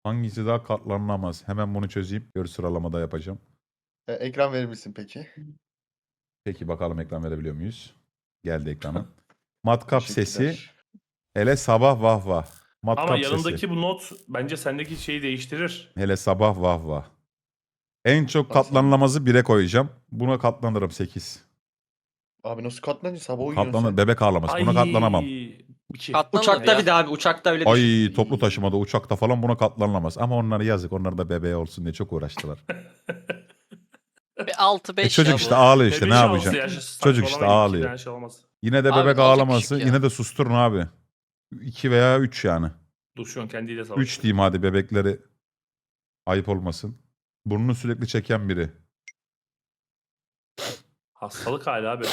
Hangisi daha katlanılamaz? Hemen bunu çözeyim. Gör sıralamada yapacağım. Ekran verir misin peki? Peki bakalım ekran verebiliyor muyuz? Geldi ekrana. Matkap sesi. Teşekkürler. Hele sabah vah vah. Ama Matkap yanındaki sesi. bu not bence sendeki şeyi değiştirir. Hele sabah vah vah. En çok Bak sen- katlanılamazı 1'e koyacağım. Buna katlanırım 8. Abi nasıl katlanınca sabah uyuyorsun Katlanır. sen. Bebek ağlaması. Buna katlanamam. 2. Katlanır Uçakta ya. bir de abi. Uçakta öyle düşün. Ay toplu taşımada, uçakta falan buna katlanılamaz. Ama onlara yazık. Onlar da bebeğe olsun diye çok uğraştılar. 6-5 Çocuk işte ağlıyor işte, ne yapacaksın? Çocuk işte ağlıyor. Şey olmaz. Yine de Abi, bebek o da ağlaması. küçük ya. Yine de susturun abi. 2 veya 3 yani. Dur şu an kendiyle savaşıyor. 3 diyeyim hadi, bebekleri ayıp olmasın. Burnunu sürekli çeken biri. Hastalık hali abi.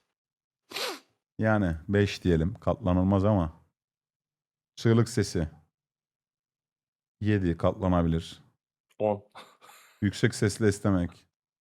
Yani 5 diyelim. Katlanılmaz ama. Çığlık sesi. 7 katlanabilir. 10. Yüksek sesle istemek.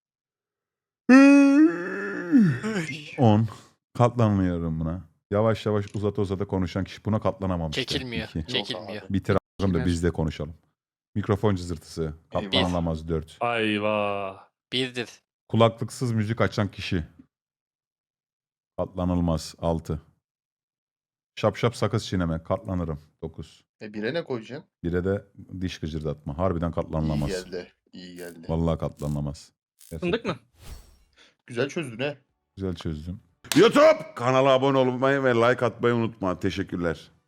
10. Katlanmıyorum buna. Yavaş yavaş uzata uzata konuşan kişi buna katlanamam işte. Çekilmiyor. 2. Çekilmiyor. Bitir a**ım da Çekilmez. biz de konuşalım. Mikrofon cızırtısı. Katlanılamaz 4. Ayva. 1'dir. Kulaklıksız müzik açan kişi. Katlanılmaz 6. Şap şap sakız çiğneme. Katlanırım 9. Bire ne koyacaksın? 1'e de diş gıcırdatma. Harbiden İyi katlanılamaz. geldi. İyi geldi. Vallahi katlanılamaz. Fındık mı? Güzel çözdün he. Güzel çözdüm. YouTube kanala abone olmayı ve like atmayı unutma. Teşekkürler.